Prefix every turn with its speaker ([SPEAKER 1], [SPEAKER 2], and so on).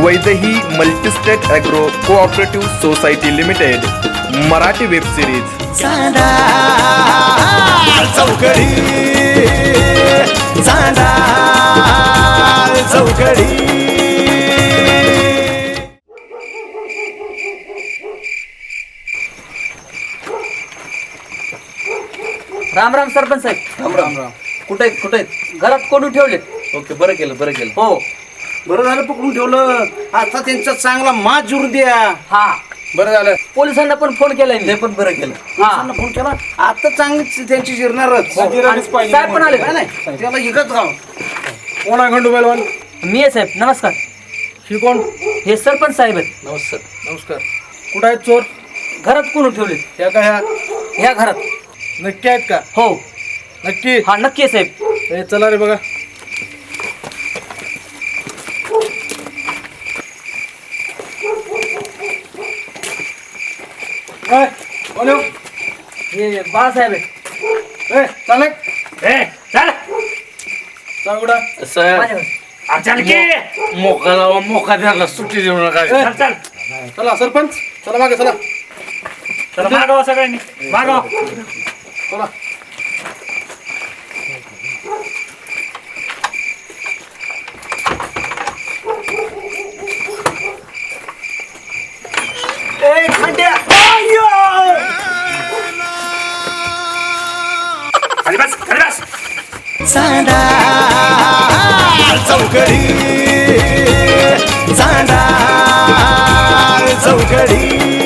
[SPEAKER 1] Vaidehi multistate agro cooperative society limited Marathi web series
[SPEAKER 2] Chanda Chaukadi Chanda Chaukadi.
[SPEAKER 3] Ram Ram sarpanch साहेब।
[SPEAKER 4] राम राम राम।
[SPEAKER 3] कुठे आहेत घरात कोणून ठेवलेत?
[SPEAKER 4] ओके, बरं केलं
[SPEAKER 3] हो
[SPEAKER 4] बरं झालं पकडून ठेवलं। आता त्यांचा चांगला माज जुरू द्या।
[SPEAKER 3] हा
[SPEAKER 4] बरं झालं,
[SPEAKER 3] पोलिसांना पण फोन केलाय मी।
[SPEAKER 4] ते पण बरं केलं।
[SPEAKER 3] हा.
[SPEAKER 4] पोलिसांना फोन केला, आता चांगली त्यांची जिरणारच।
[SPEAKER 3] आणि साहेब पण आले का?
[SPEAKER 4] नाही त्याला इकत राव।
[SPEAKER 5] कोण आहे खंडू बैलवान?
[SPEAKER 3] मी आहे साहेब, नमस्कार।
[SPEAKER 5] ही कोण?
[SPEAKER 3] हे सरपंच साहेब आहेत।
[SPEAKER 4] नमस्कार।
[SPEAKER 5] नमस्कार। कुठं आहेत चोर?
[SPEAKER 3] घरात कोणून ठेवलेत?
[SPEAKER 5] ह्या का ह्या?
[SPEAKER 3] ह्या घरात।
[SPEAKER 5] नक्की आहेत का?
[SPEAKER 3] हो
[SPEAKER 5] नक्की?
[SPEAKER 3] हा नक्की आहे साहेब।
[SPEAKER 5] हे चला रे बघा। काय? कोण आहे?
[SPEAKER 3] हे बाळासाहेब आहेत।
[SPEAKER 5] ए, चालक.
[SPEAKER 3] चल
[SPEAKER 5] चल कुठं?
[SPEAKER 4] मोका द्यायला सुट्टी देऊ नका।
[SPEAKER 3] चल चल
[SPEAKER 5] चला सरपंच, चला मागे चला
[SPEAKER 3] चला मागवा सगळ्यांनी मागवा।
[SPEAKER 5] चला।
[SPEAKER 3] ए खंड्या खाली बस।
[SPEAKER 2] चांदा चौकडी चांदा चौकडी।